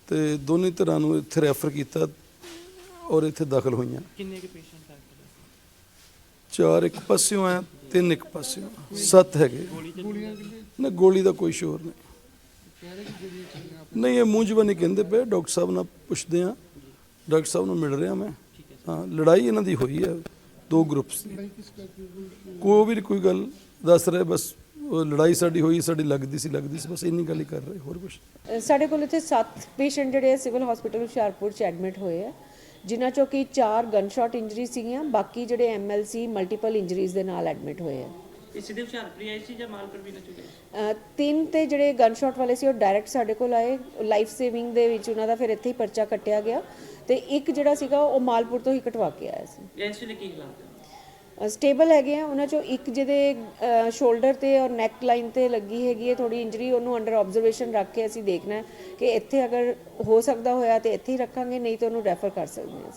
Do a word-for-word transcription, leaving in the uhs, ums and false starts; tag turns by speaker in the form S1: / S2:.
S1: ਤੇ ਦੋਨੇ ਧਿਰਾਂ ਨੂੰ ਇੱਥੇ ਰੈਫਰ ਕੀਤਾ ਔਰ ਇੱਥੇ ਦਾਖਲ ਹੋਈਆਂ।
S2: ਕਿੰਨੇ ਕੁ ਪੇਸ਼ੈਂਟ ਹੈ?
S1: ਚਾਰ ਇੱਕ ਪਾਸਿਓਂ ਆ, ਤਿੰਨ ਇੱਕ ਪਾਸਿਓਂ, ਸੱਤ ਹੈਗੇ। ਨਾ ਗੋਲੀ ਦਾ ਕੋਈ ਸ਼ੋਰ ਨਹੀਂ। ਨਹੀਂ ਇਹ ਮੂੰਹ ਜ਼ਬਾਨੀ ਕਹਿੰਦੇ ਪਏ, ਡਾਕਟਰ ਸਾਹਿਬ ਨਾਲ ਪੁੱਛਦੇ ਆ, ਡਾਕਟਰ ਸਾਹਿਬ ਨੂੰ ਮਿਲ ਰਿਹਾ ਮੈਂ। ਹਾਂ ਲੜਾਈ ਇਹਨਾਂ ਦੀ ਹੋਈ ਹੈ ਦੋ ਗਰੁੱਪਸ ਦੀ, ਕੋਈ ਵੀ ਕੋਈ ਗੱਲ ਦੱਸ ਰਹੇ, ਬਸ ਉਹ ਲੜਾਈ ਸਾਡੀ ਹੋਈ, ਸਾਡੀ ਲੱਗਦੀ ਸੀ ਲੱਗਦੀ ਸੀ ਬਸ ਇੰਨੀ ਗੱਲ ਹੀ ਕਰ ਰਹੇ, ਹੋਰ ਕੁਛ।
S3: ਸਾਡੇ ਕੋਲ ਇੱਥੇ ਸੱਤ ਪੇਸ਼ੈਂਟ ਜਿਹੜੇ ਆ ਸਿਵਲ ਹਸਪੀਟਲ ਹੁਸ਼ਿਆਰਪੁਰ 'ਚ ਐਡਮਿਟ ਹੋਏ ਆ, ਜਿਨ੍ਹਾਂ 'ਚੋਂ ਕਿ ਚਾਰ ਗਨ ਸ਼ਾਟ ਇੰਜਰੀ ਸੀਗੀਆਂ, ਬਾਕੀ ਜਿਹੜੇ M L C multiple injuries ਦੇ ਨਾਲ ਐਡਮਿਟ ਹੋਏ ਆ।
S2: ਇਹ ਸਿੱਧੇ ਹੁਸ਼ਿਆਰਪੁਰ ਆਏ ਸੀ ਜਾਂ ਮਾਲਪੁਰ ਵੀ ਨਾ ਚੁੱਕੇ?
S3: ਤਿੰਨ ਤੇ ਜਿਹੜੇ ਗਨ ਸ਼ਾਟ ਵਾਲੇ ਸੀ ਉਹ ਡਾਇਰੈਕਟ ਸਾਡੇ ਕੋਲ ਆਏ, ਲਾਈਫ ਸੇਵਿੰਗ ਦੇ ਵਿੱਚ ਉਹਨਾਂ ਦਾ ਫਿਰ ਇੱਥੇ ਹੀ ਪਰਚਾ ਕੱਟਿਆ ਗਿਆ, ਤੇ ਇੱਕ ਜਿਹੜਾ ਸੀਗਾ ਉਹ ਮਾਲਪੁਰ ਤੋਂ ਹੀ ਕਟਵਾ ਕੇ ਆਇਆ ਸੀ।
S2: ਇਸ ਵੇਲੇ ਕੀ ਹਾਲਾਤ ਹੈ?
S3: ਸਟੇਬਲ ਹੈਗੇ ਆ। ਉਹਨਾਂ 'ਚੋਂ ਇੱਕ ਜਿਹਦੇ ਸ਼ੋਲਡਰ ਤੇ ਔਰ ਨੈਕ ਲਾਈਨ ਤੇ ਲੱਗੀ ਹੈਗੀ ਹੈ ਥੋੜੀ ਇੰਜਰੀ, ਉਹਨੂੰ ਅੰਡਰ ਆਬਜ਼ਰਵੇਸ਼ਨ ਰੱਖ ਕੇ ਅਸੀਂ ਦੇਖਣਾ ਕਿ ਇੱਥੇ ਅਗਰ ਹੋ ਸਕਦਾ ਹੋਇਆ ਤੇ ਇੱਥੇ ਹੀ ਰੱਖਾਂਗੇ, ਨਹੀਂ ਤਾਂ ਉਹਨੂੰ ਰੈਫਰ ਕਰ ਸਕਦੇ ਹਾਂ।